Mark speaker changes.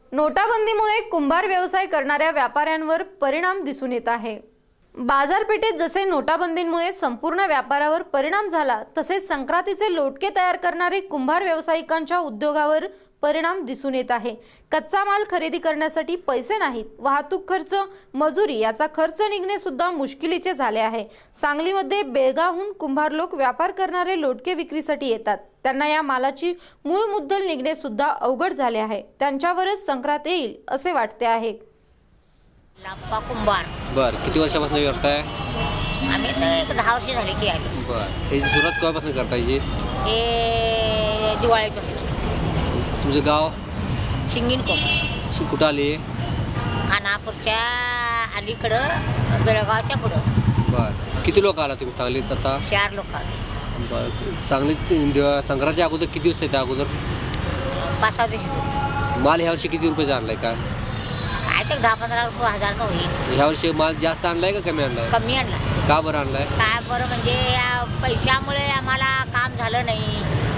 Speaker 1: नोटाबंदीमुळे कुंभार व्यवसाय करणाऱ्या व्यापाऱ्यांवर परिणाम दिसून येत आहे। बाजारपेठेत जसे नोटाबंदीमुळे संपूर्ण व्यापारावर परिणाम झाला, तसेच संक्रांतीचे लोटके तयार करणारे कुंभार व्यावसायिकांच्या उद्योगावर परिणाम दिसून येत आहे। कच्चा माल खरेदी करण्यासाठी पैसे नाहीत, वाहतूक खर्च, मजुरी याचा खर्च निघणे सुद्धा मुश्किलीचे झाले आहे। सांगलीमध्ये बेळगावहून कुंभार लोक व्यापार करणारे लोटके विक्रीसाठी येतात। त्यांना या मालाची मूळ मुद्दल निघणे सुद्धा अवघड झाले आहे। त्यांच्यावरच संक्रांत येईल असे वाटते आहे।
Speaker 2: लाप्पा कुंभार
Speaker 3: बर, किती वर्षापासून करताय?
Speaker 2: आम्ही तर एक 10 वर्ष झाली की आलो।
Speaker 3: बर, याची सुरुवात केव्हापासून करता याची?
Speaker 2: हे दिवाळीपासून।
Speaker 3: तुमचं गाव
Speaker 2: शिंगीणकोट,
Speaker 3: कुठं आली?
Speaker 2: खानापूरच्या अलीकडं, बेळगावच्या पुढं।
Speaker 3: बर, किती लोक आला तुम्ही सांगलीत आता?
Speaker 2: 4 लोक।
Speaker 3: बर, सांगलीत संक्रांतीच्या अगोदर किती दिवस येते अगोदर?
Speaker 2: 5-6 दिवस।
Speaker 3: माल ह्यावर्षी किती रुपयाचा आणलाय काय?
Speaker 2: काय तर 10-15 रुपये, 1000 का होईल।
Speaker 3: ह्यावर्षी माल जास्त आणलाय का कमी आणलाय?
Speaker 2: कमी आणला।
Speaker 3: का बरं आणलाय?
Speaker 2: काय बरं म्हणजे या पैशामुळे आम्हाला काम झालं नाही।